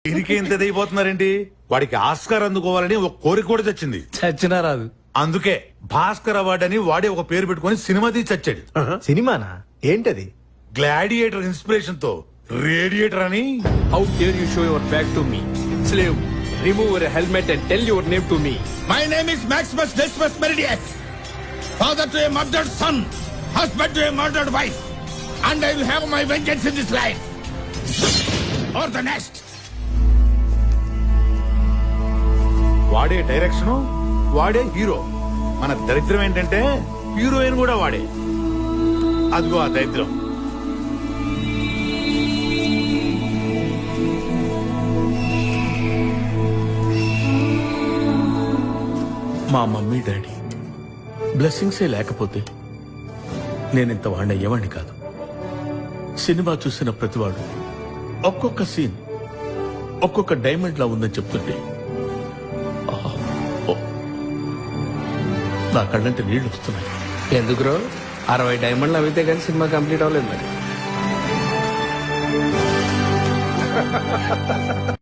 దీనికి ఎంత అయిపోతున్నారేంటి? వాడికి ఆస్కార్ అందుకోవాలని ఒక కోరిక కూడా చచ్చింది. చచ్చినా రాదు. అందుకే భాస్కర్ అవార్డు అని వాడే ఒక పేరు పెట్టుకుని సినిమా తీసి చచ్చాడు. సినిమానా? ఏంటది? గ్లాడియేటర్ ఇన్స్పిరేషన్ తో రేడియేటర్ అని. How dare you show your back to me? Slave, remove your helmet and tell your name to me. My name is Maximus Decimus Meridius, father to a murdered son, husband to a murdered wife, and I will have my vengeance in this life or the next. వాడే direction, వాడే hero. మన దరిద్రం ఏంటంటే heroine కూడా వాడే. అదిగో ఆ దరిద్రం. మా మమ్మీ డాడీ బ్లెస్సింగ్సే లేకపోతే నేనింత వాడిని అయ్యేవాడిని కాదు. సినిమా చూసిన ప్రతివాడు ఒక్కొక్క సీన్ ఒక్కొక్క డైమండ్ లా ఉందని చెప్తుంటే ఆహా, ఓ, నా కళ్ళంటే నీళ్లు వస్తున్నాయి. ఎందుకురో 60 డైమండ్లు అవితే కానీ సినిమా కంప్లీట్ అవ్వలేదు మరి.